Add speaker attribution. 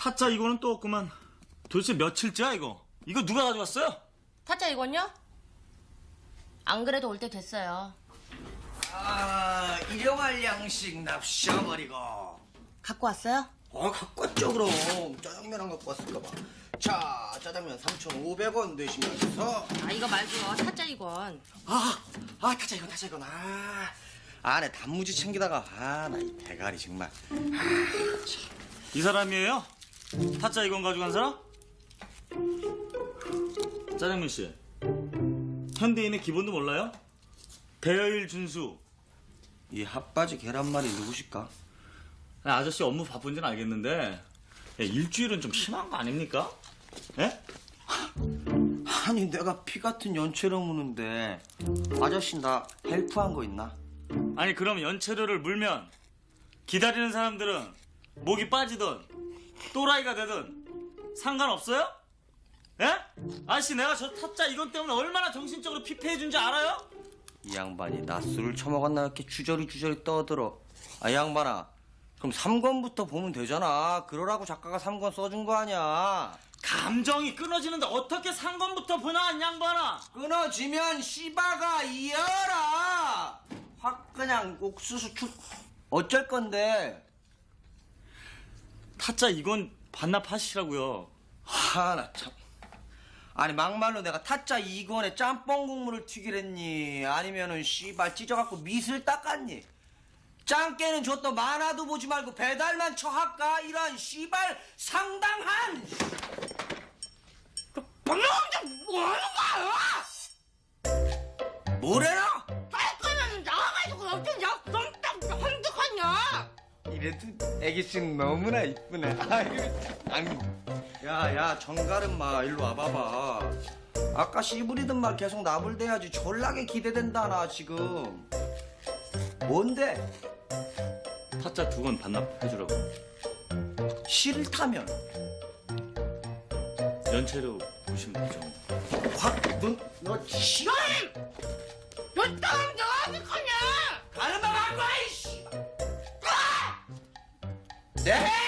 Speaker 1: 타짜 이거는 또 없구만. 도대체 며칠째야 이거? 이거 누가 가져갔어요?
Speaker 2: 타짜 이건요? 안 그래도 올 때 됐어요.
Speaker 3: 아, 일용할 양식 납셔버리고.
Speaker 2: 갖고 왔어요?
Speaker 3: 갖고 왔죠, 그럼. 짜장면 안 갖고 왔을까 봐. 자, 짜장면 3,500원 내시면서.
Speaker 2: 아, 이거 말고요. 타짜 이건.
Speaker 3: 타짜 이건. 안에 단무지 챙기다가, 나 이 대가리 정말.
Speaker 1: 이 사람이에요? 타짜 이건 가져간 사람? 짜장면 씨, 현대인의 기본도 몰라요? 대여일 준수.
Speaker 3: 이 핫바지 계란말이 누구실까?
Speaker 1: 아저씨 업무 바쁜지는 알겠는데 일주일은 좀 심한 거 아닙니까? 예?
Speaker 3: 아니, 내가 피 같은 연체를 무는데 아저씨 나 헬프한 거 있나?
Speaker 1: 아니 그럼 연체료를 물면 기다리는 사람들은 목이 빠지든 또라이가 되든 상관없어요? 예? 아저씨 내가 저 타짜 이건 때문에 얼마나 정신적으로 피폐해준 줄 알아요?
Speaker 3: 이 양반이 낮술을 처먹었나 이렇게 주저리 떠들어. 이 양반아, 그럼 3권부터 보면 되잖아. 그러라고 작가가 3권 써준 거 아니야.
Speaker 1: 감정이 끊어지는데 어떻게 상관부터 보나 이 양반아.
Speaker 3: 끊어지면 씨바가 이어라. 확 그냥 옥수수 어쩔 건데.
Speaker 1: 타짜 이건 반납하시라고요.
Speaker 3: 나 참. 아니 막말로 내가 타짜 2권에 짬뽕 국물을 튀기랬니? 아니면은 씨발 찢어갖고 밑을 닦았니? 짱깨는 줬더 만화도 보지 말고 배달만 쳐할까? 이런 씨발 상당한.
Speaker 2: 방금 뭐하는 거야?
Speaker 3: 뭐래라?
Speaker 2: 깔끔하면 나와가지고 어쩐 약속딱 한득하냐?
Speaker 3: 이래도 애기씨는 너무나 이쁘네. 아이고. 야, 정가름마 일로 와봐봐. 아까 씨부리던 말 계속 나불대야지. 졸라게 기대된다 나 지금. 뭔데?
Speaker 1: 타짜 2권 반납해주라고.
Speaker 3: 싫다면
Speaker 1: 연체료 보시면 되죠.
Speaker 3: 확, 너 싫어?
Speaker 2: 너 땅 내가 어떡하냐?
Speaker 3: 가는 방 안 가, 이씨! 네!